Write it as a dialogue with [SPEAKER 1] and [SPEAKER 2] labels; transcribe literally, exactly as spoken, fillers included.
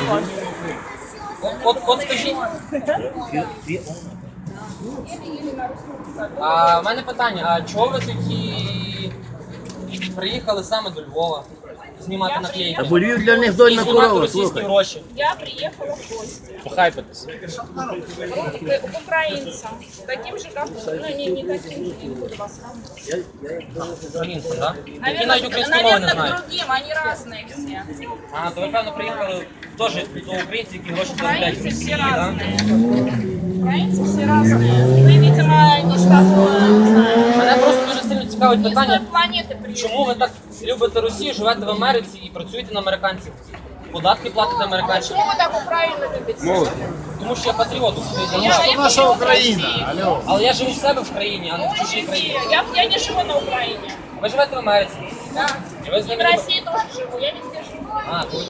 [SPEAKER 1] От, от скажіть. А в мене питання, а чого ви тоді приїхали саме до Львова? Знімати наклейки?
[SPEAKER 2] Бо Львів для них дольна
[SPEAKER 1] Знімати
[SPEAKER 2] корова,
[SPEAKER 1] російські
[SPEAKER 2] слухай.
[SPEAKER 1] гроші.
[SPEAKER 3] Я приехала в гости
[SPEAKER 1] Похайпитись.
[SPEAKER 3] к украинцам, таким же, как вы. Ну, не, не таким же, не буду вас сравнивать.
[SPEAKER 1] Українцям, так? Які
[SPEAKER 3] Наверное,
[SPEAKER 1] навіть української мови не
[SPEAKER 3] наверное,
[SPEAKER 1] знають.
[SPEAKER 3] к другим, они разные все.
[SPEAKER 1] А, то ви, певно, приїхали теж до українців, які гроші заробляють в
[SPEAKER 3] Украинцы
[SPEAKER 1] Росії,
[SPEAKER 3] все
[SPEAKER 1] так?
[SPEAKER 3] разные. Украинцы все разные. Вы, видимо, не с того, не знаю,
[SPEAKER 1] Мене просто дуже сильно цікавить
[SPEAKER 3] не с той
[SPEAKER 1] питання,
[SPEAKER 3] планеты приехали.
[SPEAKER 1] чому ви так любите Росію, живете в Америці і працюєте на американців? Податки платите американцям?
[SPEAKER 3] Почему вы так Украину любите?
[SPEAKER 1] Тому що я патріот України.
[SPEAKER 3] Я, я
[SPEAKER 2] наша
[SPEAKER 3] патриот
[SPEAKER 2] Україна,
[SPEAKER 3] России.
[SPEAKER 2] алло.
[SPEAKER 1] Але я живу в себе в країні, а не
[SPEAKER 3] Ну,
[SPEAKER 1] в чужій країні.
[SPEAKER 3] живи. Я, я не живу на Украине.
[SPEAKER 1] Ви живете в Америці.
[SPEAKER 3] Да.
[SPEAKER 1] І ви з
[SPEAKER 3] И в
[SPEAKER 1] ними...
[SPEAKER 3] России тоже живу. Я везде живу.
[SPEAKER 1] А, то ви